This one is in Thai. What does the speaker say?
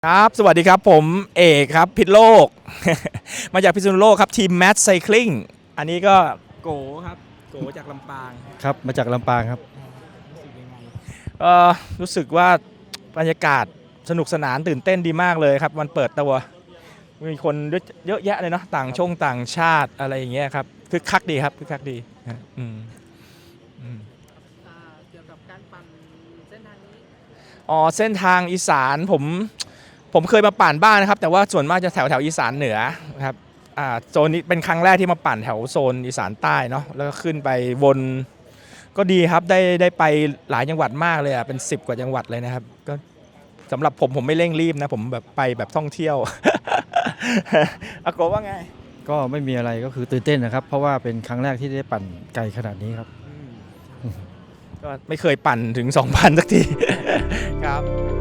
ครับสวัสดีครับผมเอกครับพิษโลก มาจากพิษณุโลกครับทีมแมทไซคลิงอันนี้ก็โกครับโกจากลำปางครับมาจากลำปางครับรู้สึกยังไงรู้สึกว่าบรรยากาศสนุกสนานตื่นเต้นดีมากเลยครับวันเปิดตัวมีคนเยอะแยะเลยเนาะต่างชาติอะไรอย่างเงี้ยครับคึกคักดีครับคึกคักดีอืมอืมเกี่ยวกับการปั่นเส้นทางนี้เส้นทางอีสานผมเคยมาปั่นบ้างนะครับแต่ว่าส่วนมากจะแถวอีสานเหนือนะครับโซนนี้เป็นครั้งแรกที่มาปั่นแถวโซนอีสานใต้เนาะแล้วก็ขึ้นไปวนก็ดีครับได้ไปหลายจังหวัดมากเลยเป็น10 กว่าจังหวัดเลยนะครับก็สำหรับผมไม่เร่งรีบนะผมแบบไปแบบท่องเที่ยว อาโกว่าไงก็ไม่มีอะไรก็คือตื่นเต้นนะครับเพราะว่าเป็นครั้งแรกที่ได้ปั่นไกลขนาดนี้ครับก็ไม่เคยปั่นถึง 2,000 สักที ครับ